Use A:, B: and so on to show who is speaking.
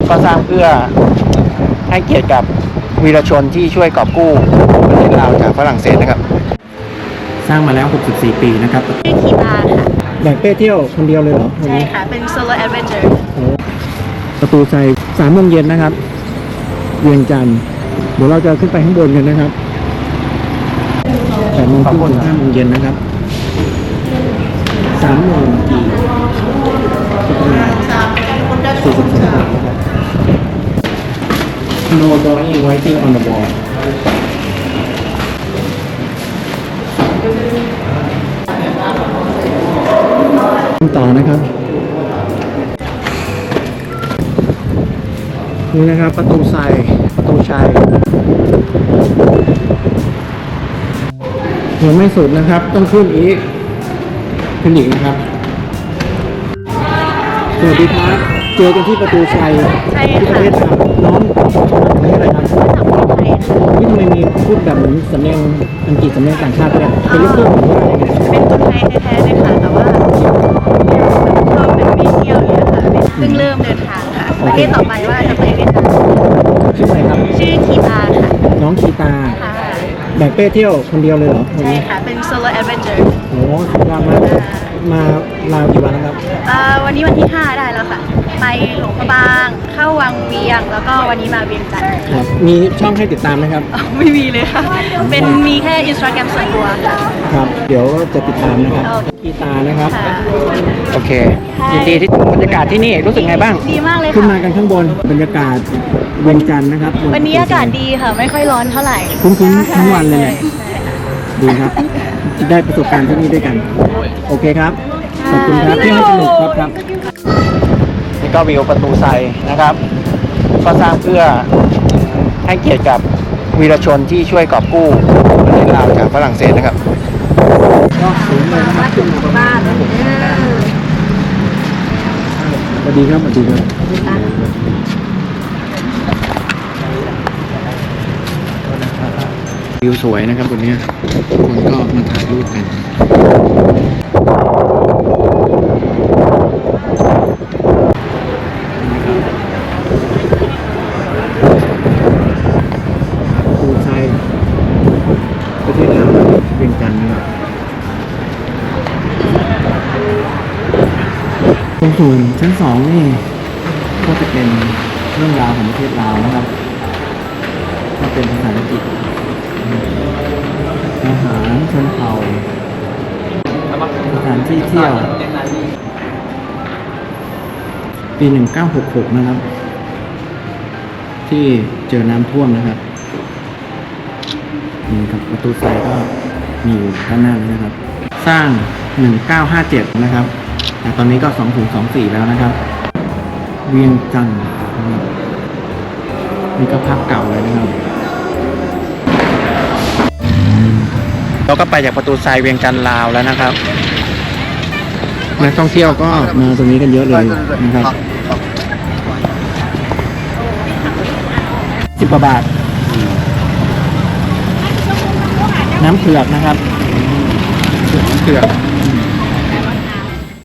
A: ก็สร้างเพื่อให้เกียรติกับวีรชนที่ช่วยกอบกู้ประเทศลาวจากฝรั่งเศสนะครับสร้างมาแล้ว64ปีนะครับ
B: ชื่อคีตาค่ะ
A: แบ่งเป้เที่ยวคนเดียวเลยเหรอ
B: ใช่ค่ะเป็นโซโล่แอดเวนเจอร์
A: ประตูชัย3 โมงเย็นนะครับเวียงจันทร์เดี๋ยวเราจะขึ้นไปข้างบนกันนะครับ8 โมงครึ่งถึง 5 โมงเย็นนะครับ3 โมงกี่42 บาทนะครับ No drawing writing on the wall ต่อนะครับนี่นะครับประตูชัยยังไม่สุดนะครับต้องขึ้นอีกนะครับสวัสดีครับเจอกันที่ประตูชัยที่ประเทศลาวน้องประเทศอะไรครับนี่ทำไมมีพูดแบบเหมือนสำเนียงอังกฤษสำเนียงต่างชาติเนี่ยเป็นลูกครึ่งหรือว่าอะไรเนี่ย
B: เป็นคนไทยแท้ๆเลยค่ะแต่ว่าเราเป็นมีเที่ยวเนี่ยค่ะเพิ่งเริ่มเดินทางค่ะประเทศต่อไปว่าจะไปเวียดนาม
A: ชื่ออะไรครับ
B: ชื่อคีตาค่ะ
A: น้องคีตา
B: ค่ะ
A: แบ่งเป้เที่ยวคนเดียวเลยเหรอ
B: ใช่ค่ะเป็นโซโล่แอดเวนเจอร์
A: โอ้สุดยอดมากมาลาวกี่วันแล้วครับ
B: วันนี้วันที่ 5 ได้แล้วค่ะไปหลวงพระบางเข้าวังเวียงแล้วก็วันนี้มาเวียงจันทร์
A: ครับมีช่องให้ติดตามไหมครับ
B: ไม่มีเลยค่ะเป็นมีแค่ Instagram ส่วนตัว
A: ครับเดี๋ยวจะติดตามนะครับคีตานะครับโอเคยินดีที่บรรยากาศที่นี่รู้สึกไงบ้าง
B: ดีมากเลยค่ะ
A: ขึ้นมากันข้างบนบรรยากาศเวียงจันทร์นะครับ
B: วันนี้อากาศดีค่ะไม่ค่อยร้อนเท่าไหร่
A: คุ้นๆทั้งวันเลยแหละดีครับได้ประสบการณ์ที่นี่ด้วยกันโอเคครับขอบคุณครับที่ให้สนุกครับนี่ก็วิวประตูไซนะครับก็สร้างเพื่อให้เกียรติกับวีรชนที่ช่วยกอบกู้ประเทศลาวจากฝรั่งเศสนะครับก็สูงเลยนะครับขึ้นมาบ้านสวัสดีครับวิวสวยนะครับวันนี้คนก็มาถ่ายรูปกันปูชัยประเทศลาวเวียงจันทร์นะครับตรงส่วนชั้น2นี่ก็จะเป็นเรื่องราวของประเทศลาวนะครับก็เป็นภาษาอังกฤษอาหารชนเผ่าสถานที่เที่ยวปี1966นะครับที่เจอน้ำท่วมนะครับนี่ครับประตูไซก็มีอยู่ด้านหน้านี้นะครับสร้าง1957นะครับแต่ตอนนี้ก็2024แล้วนะครับเวียงจันทร์นะครับนี่ก็ภาพเก่าเลยนะครับเราก็ไปจากประตูทรายเวียงจันทร์ลาวแล้วนะครับนักท่องเที่ยวก็มาตรงนี้กันเยอะเลยนะครับ10 กว่าบาทน้ำเผือกนะครับน้ำเผือก